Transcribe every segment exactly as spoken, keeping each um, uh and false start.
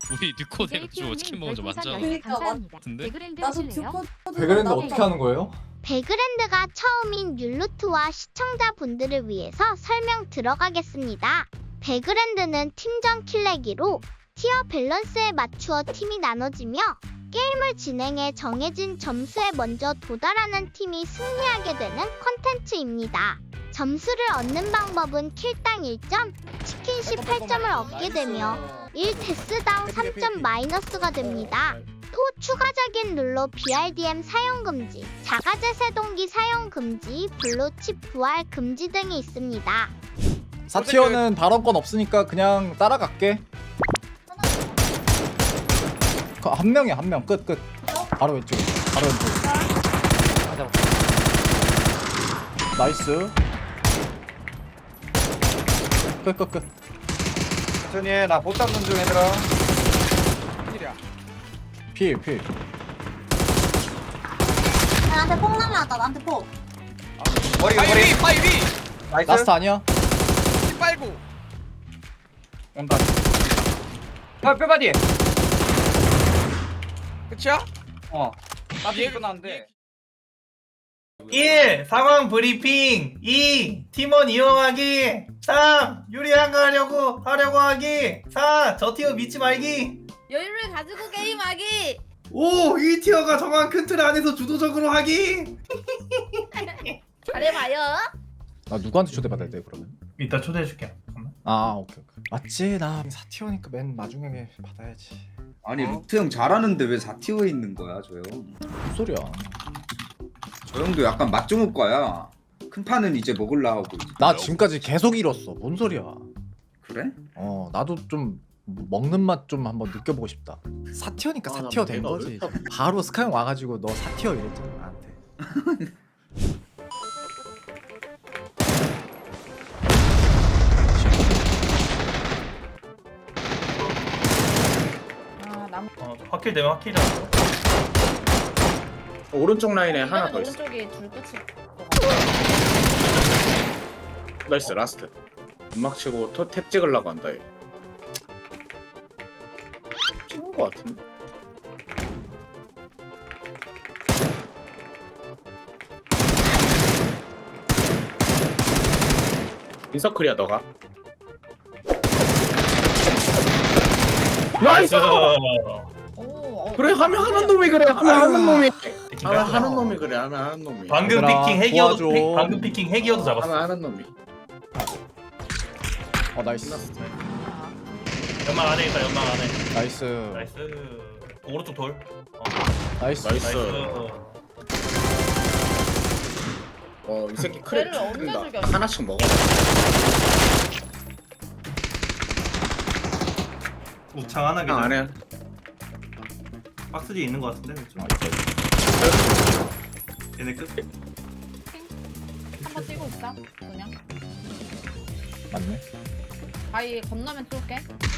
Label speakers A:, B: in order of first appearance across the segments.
A: 우리 뉴코 돼가지고 치킨 먹은 적 많잖아.
B: 그러니까
A: 같은데?
B: 나도 듀코
C: 배그랜드 어떻게 하는 거예요?
D: 배그랜드가 처음인 율루트와 시청자분들을 위해서 설명 들어가겠습니다. 배그랜드는 팀전 킬내기로 티어 밸런스에 맞추어 팀이 나눠지며 게임을 진행해 정해진 점수에 먼저 도달하는 팀이 승리하게 되는 콘텐츠입니다. 점수를 얻는 방법은 킬당 일 점, 치킨 십팔 점을 얻게 되며 일 데스당 삼 점 마이너스가 됩니다. 또 추가적인 룰로 비알디엠 사용 금지, 자가제 세동기 사용 금지, 블루칩 부활 금지 등이 있습니다.
C: 사티어는 발언권 없으니까 그냥 따라갈게. 그 한 명이야 한 명. 끝 끝. 바로 왼쪽. 바로 왼쪽. 맞아. 나이스. 끝 끝 끝.
E: 천천히 해. 나 못 잡는 중 얘들아.
C: 필 필.
B: 나한테 폭 날라왔다. 나한테 폭.
E: 머리
F: 바위
E: 머리.
F: 위! 바위 위!
E: 나이스.
C: 라스트 아니야?
F: 피 빨고
E: 온다. 뼈 뼈바디.
F: 끝이야?
E: 어. 나도
F: 얘-
E: 끝났는데.
G: 일. 상황 브리핑. 이. 팀원 이용하기. 삼. 유리한 거 하려고 하려고 하기. 사. 저 티어 믿지 말기.
B: 여유를 가지고 게임하기.
G: 오. 이 티어가 정한 큰 틀 안에서 주도적으로 하기.
B: 잘해봐요.
C: 나 누구한테 초대받아야 돼 그러면?
G: 이따 초대해줄게. 잠깐만.
C: 아 오케이 오케이. 맞지 나 사티어니까 맨 마중에 받아야지.
H: 아니 루트 형 잘하는데 왜 사 티어에 있는 거야 저 형?
C: 무슨 소리야?
H: 저 형도 약간 맛종업과야. 큰 판은 이제 먹을라 하고.
C: 나 지금까지 계속 잃었어. 뭔 소리야?
H: 그래?
C: 어 나도 좀 먹는 맛 좀 한번 느껴보고 싶다. 사티어니까
I: 아,
C: 사티어
I: 나
C: 된
I: 내가
C: 거지.
I: 어렵다고.
C: 바로 스카형 와가지고 너 사티어 이랬잖아 나한테.
B: 아, 남.
G: 어. 확킬 되면 확킬이야.
I: 오른쪽 라인에 하나 더 있어.
B: 오른쪽이 둘 끝이.
I: 나이스 라스트. 음악 치고 토, 탭 찍으려고 한다 얘. 찍은 거 같은데. 인서클이야 너가. 나이스.
B: 오.
I: 그래 하면 하는 놈이 그래 하면 하는 놈이 하면 하는 놈이 그래 하면 하는 놈이
G: 방금
C: 얘들아,
G: 피킹 핵이어도
C: 도와줘.
G: 피- 방금 피킹 핵이어도 잡았어.
I: 하면 하는 놈이.
C: 어 나이스.
I: 끝났어.
G: 연막 안에 있다. 연막 안에.
C: 나이스.
G: 나이스. 오른쪽 돌. 어.
C: 나이스.
I: 나이스.
G: 나이스.
I: 어 이 새끼 크랩
B: 쟤를 언제
I: 죽인다.
B: 죽였어?
I: 하나씩 먹어.
G: 옥창 하나
I: 그냥 안
G: 기절.
I: 해.
G: 박스 뒤에 있는 거 같은데 좀. 얘네 끝.
B: 한번 뛰고 있어. 그냥.
C: 맞네.
B: 바위 건너면 쏠게.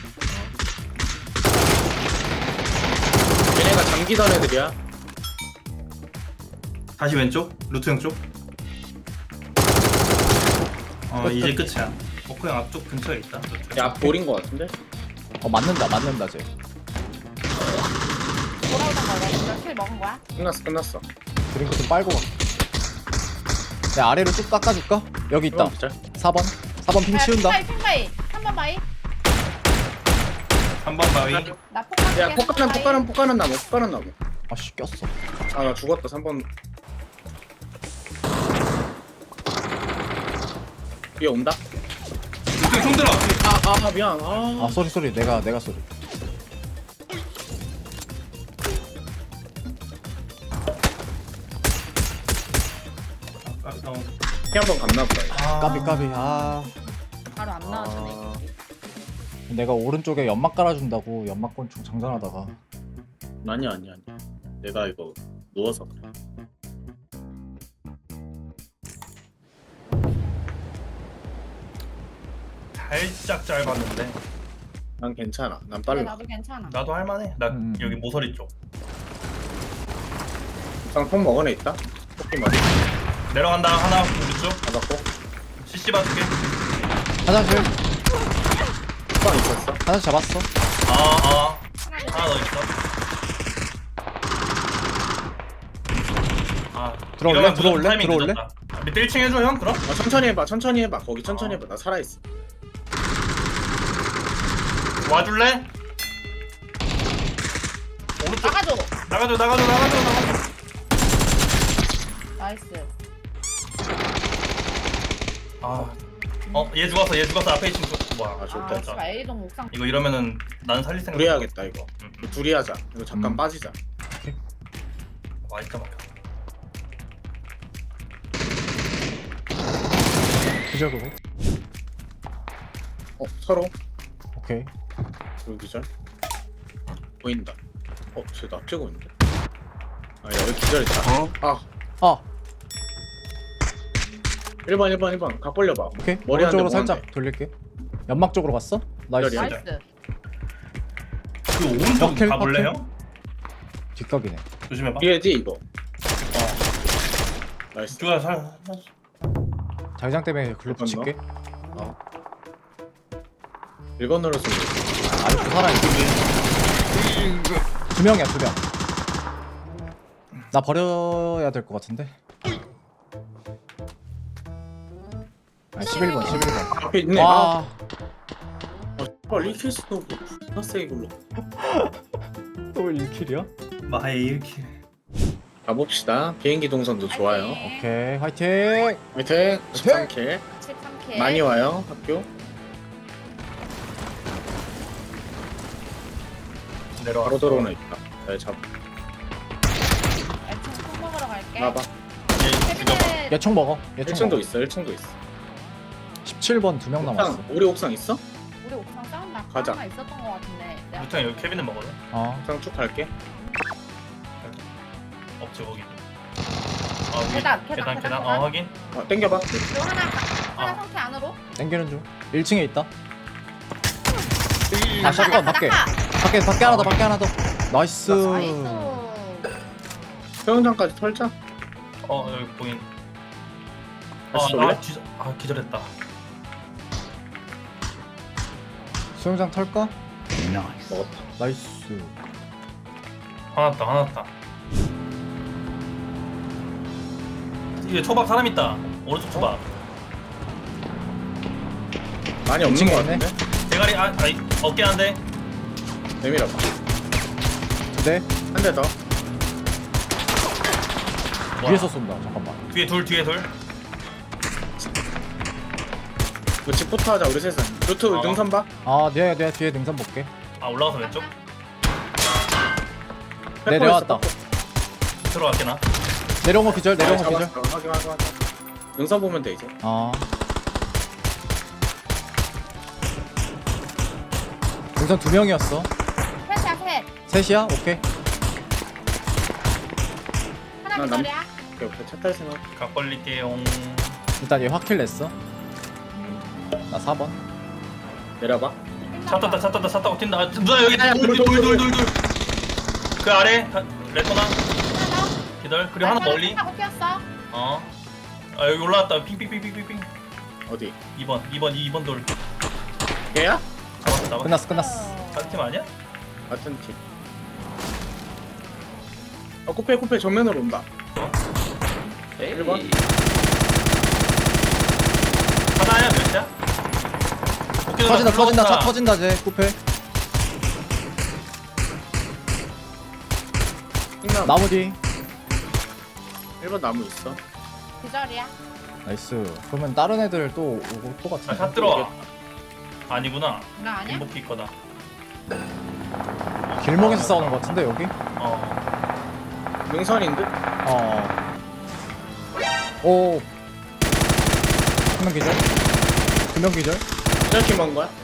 I: 얘네가 장기던 애들이야.
G: 다시 왼쪽. 루트 형 쪽. 어 이제 끝이야. 버크 형 앞쪽 근처에 있다. 루트 형.
I: 야 볼인 거 같은데?
C: 어 맞는다 맞는다 쟤.
B: 돌아오던 거야. 이거 킬 먹은 거야?
I: 끝났어 끝났어.
C: 드링크 좀 빨고 가. 내 아래로 쭉 깎아줄까? 여기 있다.
I: 진짜?
C: 사 번. 사 번 핑 치운다.
B: 바위, 핑바위. 삼 번 바위.
G: 한 번 바위.
B: 나 폭.
I: 야 폭가는 폭가는 폭가는 나무 폭가는 나무.
C: 아씨 꼈어.
I: 아 나 죽었다 삼 번. 얘 온다?
G: 루트 형 손들어.
I: 아, 아 미안. 아,
C: 아 쏘리 쏘리 내가 내가 쏘리.
G: 아, 어.
I: 피한번 갔나 보다.
G: 아.
C: 까비 까비. 아
B: 바로 안 나와주네.
I: 아.
C: 내가 오른쪽에 연막 깔아준다고 연막권총 장전하다가
I: 아니야 아니야 아니야. 내가 이거 누워서 그래.
G: 살짝 짧았는데.
I: 난 괜찮아. 난
B: 근데
I: 빨라.
B: 나도 괜찮아.
G: 나도 할만해. 나
C: 음.
G: 여기 모서리 쪽.
I: 상품 먹은 애 있다. 토끼 머리
G: 내려간다. 하나 우리 쪽.
I: 잡았고.
G: 씨씨 봐줄게.
C: 화장실
I: 후방 있었어.
C: 화장실 잡았어.
G: 아 아.
C: 들어올래?
F: 이러면
C: 들어올래?
F: 타이밍
C: 들어올래?
F: 늦었다. 밑에 일 층 해줘 형 그럼?
I: 아, 천천히 해봐 천천히 해봐 거기 천천히 해봐 나 살아있어.
F: 와줄래? 오른쪽
B: 나가줘.
F: 나가줘 나가줘 나가줘 나가줘.
B: 나이스.
F: 아, 어, 얘 죽었어, 얘 죽었어. 앞에 있는 쪽. 뭐야?
I: 아
B: 아,
I: 좋다.
F: 좋다.
B: 씨발 A동 옥상.
F: 이거 이러면은 나는 살릴 생각.
I: 둘이 해야겠다 이거.
F: 응.
I: 둘이 하자. 이거 잠깐
C: 음.
I: 빠지자.
F: 와, 진짜 막혀.
C: 기절 그거.
I: 어 서로
C: 오케이.
I: 여기 기절. 보인다. 어, 쟤나 찍고 있는데. 아, 야, 여기 기절했다.
C: 어?
I: 아,
C: 아
I: 일 번, 일 번, 일 번. 각 벌려봐.
C: 오케이.
I: 머리 한 대,
C: 오른쪽으로
I: 뭐
C: 살짝
I: 한 대.
C: 돌릴게. 연막 쪽으로 갔어? 나이스.
I: 기절이야.
B: 나이스.
F: 그 오른쪽
C: 버킬,
F: 가볼래
C: 버킬.
F: 형?
C: 뒷각이네.
F: 조심해봐.
I: 뒤에지 이거. 어. 나이스.
F: 주가 살.
C: 자기장 때문에 글로
I: 잠깐만.
C: 붙일게.
I: 일 번 눌렀으면
C: 아직도 살아있어. 두 명이야 두 명. 나 버려야 될 것 같은데. 아, 십일 번 십일 번.
I: 앞에 있네. 아,
C: 와.
I: 어, 씨발 리킬 스노우 존나 세게 굴러.
C: 또 일 킬이야?
F: 마해 이렇게.
I: 가봅시다. 비행기 동선도 좋아요.
C: 오케이 화이팅.
I: 밑에 십삼 킬.
B: 십삼 킬.
I: 많이 와요 학교.
F: 내려와.
I: 바로 들어오는 있다. 잘 잡.
B: 애청 콩 먹으러 갈게.
I: 나봐.
F: 얘 죽여봐.
B: 세빈의
C: 얘 총 먹어. 얘
I: 일
C: 총
I: 층도
C: 먹어.
I: 있어. 일 층도 있어.
C: 십칠 번 두 명 남았어.
I: 옥상, 우리 옥상 있어?
B: 우리 옥상 싸움나
I: 가자.
B: 하나 있었던 것 같은데. 내가
F: 무창 여기 케빈은 먹거든.
C: 어.
I: 옥상 쭉 갈게.
F: 없지 거기. 아 위에
B: 계단, 계단,
F: 계단
B: 계단,
F: 계단.
B: 계단.
F: 어 확인.
I: 어, 땡겨봐.
B: 또 하나 하나
F: 아.
B: 상태 안으로.
C: 땡기는 중. 일 층에 있다. 아
B: 아,
C: 샷건 밖에. 밖에 밖에 하나 더 밖에 하나 더. 나이스.
B: 나이스.
I: 수영장까지 털자.
F: 어 여기 보인.
I: 다시
F: 아,
I: 올래?
F: 아, 기절, 아 기절했다.
C: 수영장 털까?
I: 먹었다.
C: 나이스.
F: 하나 왔다 하나 왔다. 이게 초밥 사람 있다. 오른쪽 초밥.
I: 많이 없는
C: 층에
I: 거
C: 있네.
I: 같은데?
F: 대가리 아 아이 어깨 한 대.
I: 내밀어봐.
C: 네.
I: 한 대 더.
F: 뭐야?
C: 위에서 쏜다. 잠깐만.
F: 뒤에 둘 뒤에 둘.
I: 그 집부터 하자 우리 셋은. 루트
F: 어.
I: 능선 봐.
C: 아 내가 내가 뒤에 능선 볼게.
F: 아 올라가서 왼쪽.
C: 네
I: 페퍼
C: 내려왔다.
I: 있어,
F: 들어갈게 나.
C: 내려온 거 기절. 내려온
I: 아,
C: 거 기절.
I: 잡았어. 확인 확인 확인. 능선 보면 돼 이제.
C: 아. 능선 두 명이었어.
B: 셋이야 셋.
C: 셋이야? 오케이.
B: 하나
I: 나 남-
B: 기절이야.
I: 오케이 오케이 차탈 생각.
F: 각 벌릴게요.
C: 일단 얘 확킬 냈어. 나 사 번.
I: 내려봐.
F: 차 떴다 차 떴다 차 타고 튄다. 아, 누나 여기
I: 야, 야, 돌, 돌, 돌.
F: 둘둘둘둘. 그 아래 다- 레토나
B: 하나 더.
F: 기절. 그리고 하나 멀리.
B: 하고 튀었어.
F: 어. 아 여기 올라왔다. 핑핑핑핑핑핑.
I: 어디?
F: 이 번 이 번 이 번 돌.
I: 걔야?
F: 잡았어 잡았어.
C: 끝났어 끝났어.
F: 같은 팀 아니야?
I: 같은 팀. 어 쿠페 쿠페 정면으로 온다. 일 번.
F: 하나야 몇이야? 오케이,
C: 터진다
F: 누나
C: 터진다 차
F: 들어온다.
C: 터진다 쟤 쿠페.
I: 흑남.
C: 나무 뒤.
I: 일 번 나무 있어.
B: 기절이야.
C: 나이스. 그러면 다른 애들 또 오고 또
F: 아,
C: 같은데.
F: 샷 들어와. 아니구나.
B: 나 아니야?
F: 인복이 거다.
C: 길목에서 싸우는 거 같은데 여기?
F: 어.
I: 능선인 듯?
C: 어. 오. 한 명 기절. 두 명 기절.
I: 기절팀 한 거야?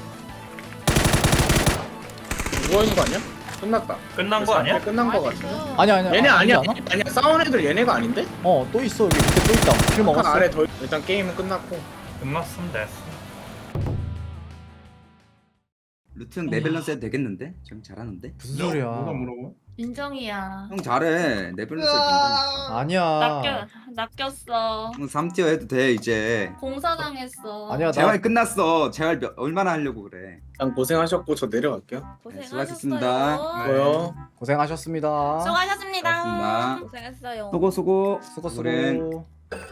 I: 누워있는 거 아니야? 끝났다.
F: 끝난 거 아니야?
I: 끝난 거 같은데?
B: 나이스.
C: 아니야 아니야.
I: 얘네
C: 아,
I: 아니야.
C: 아니지 않아?
I: 아니야 싸운 애들 얘네가 아닌데?
C: 어 또 있어 여기 밑에 또 있다. 킬
I: 한
C: 먹었어.
I: 아래 더 있- 일단 게임은 끝났고.
F: 끝났으면 됐어.
H: 루트 형 내밸런스 해도 되겠는데? 형 잘하는데?
C: 무슨 소리야?
I: 물어보?
B: 인정이야.
H: 형 잘해. 내밸런스 해도
C: 아니야.
B: 낚여 낚였어.
H: 형 삼 티어 해도 돼 이제.
B: 공사당했어.
C: 아니야 나
H: 재활 끝났어. 재활 몇, 얼마나 하려고 그래?
I: 형 고생하셨고 저 내려갈게요.
H: 네, 수고하셨습니다.
I: 뭐요?
C: 고생하셨습니다.
B: 수고하셨습니다.
H: 수고하셨습니다.
B: 고생했어요.
H: 수고 수고.
C: 수고
H: 오랜.
C: 수고.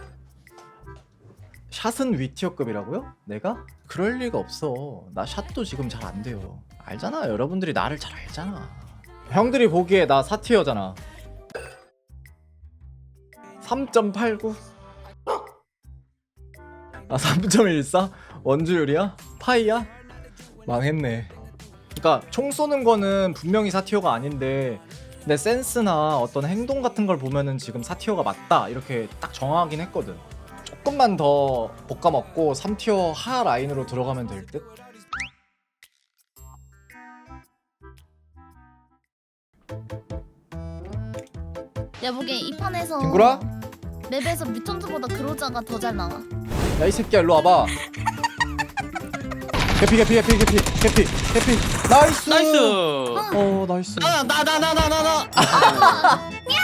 C: 샷은 위티어급이라고요? 내가? 그럴 리가 없어. 나 샷도 지금 잘 안 돼요. 알잖아. 여러분들이 나를 잘 알잖아. 형들이 보기에 나 사 티어잖아. 삼 점 팔구. 아 삼 점 일사? 원주율이야? 파이야? 망했네. 그러니까 총 쏘는 거는 분명히 사 티어가 아닌데 내 센스나 어떤 행동 같은 걸 보면은 지금 사 티어가 맞다 이렇게 딱 정하긴 했거든. 조금만 더 볶아먹고 삼 티어 하 라인으로 들어가면 될 듯?
J: 야 보기엔 이 판에서
C: 딩구라?
J: 맵에서 뮤턴트보다 그로자가 더 잘 나와.
C: 야 이 새끼야 일로 와봐. 개피 개피 개피 개피 개피 개피 나이스
A: 나이스.
C: 어 나이스
A: 나 나 나 나 나 나 나.